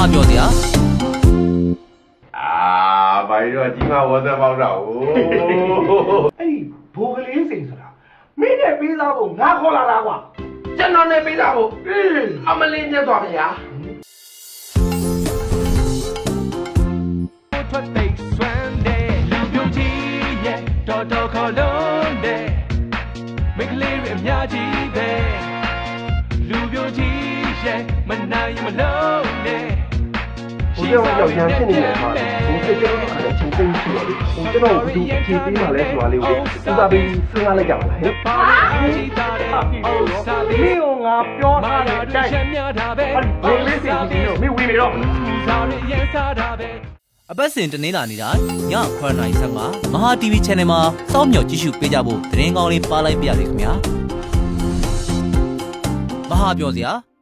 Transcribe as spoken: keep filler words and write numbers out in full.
ဟာပြောစရာအာဘာလို့ကြီးမဝတ်သက်ပေါက်တော့အဲ့ဒီဘိုးကလေးစိန်ဆိုတာမင်းနဲ့ပေးသားဖို့ငါခေါ်လာတာကွာကျွန်တော်နဲ့ပေးသားဖို့အမလင်းမြတ်သွားဗျာထွက်သိမ်းစွမ်းတဲ့လူပြိုကြီးရဲ့တော်တော်ခေါ်လုံးတဲ့မိကလေးတွေအများကြီးပဲလူပြိုကြီးရဲ့မနိုင်မလုံးနဲ့ဘိုးကြောင့်ကြောက်ရမ်းဖြစ်နေတယ်မှာဘိုးစိတ်ကြောက်ခါတဲ့ချင်းသိမ်းရှိတယ်လေဟိုကျွန်တော်ဘူးဖြေပေးမှလဲဆိုတာလေးကိုသူသာပြီးစဉ်းစားလိုက်ကြပါလားဟဲ့ဟာမင်းကငါပြောထားတဲ့အတိုင်းဘိုးလေးစိတ်ကြီးတော့မင်းဝင်နေတော့အပတ်စဉ်တနင်္လာနေ့တိုင်းညခွဲနာရီဆယ်မှာမဟာ တီဗီ Channel မှာစောင့်မျှော်ကြည့်ရှုပေးကြဖို့သတင်းကောင်းလေးပါလိုက်ပြရစီခင်ဗျာမဟာပြောစရာ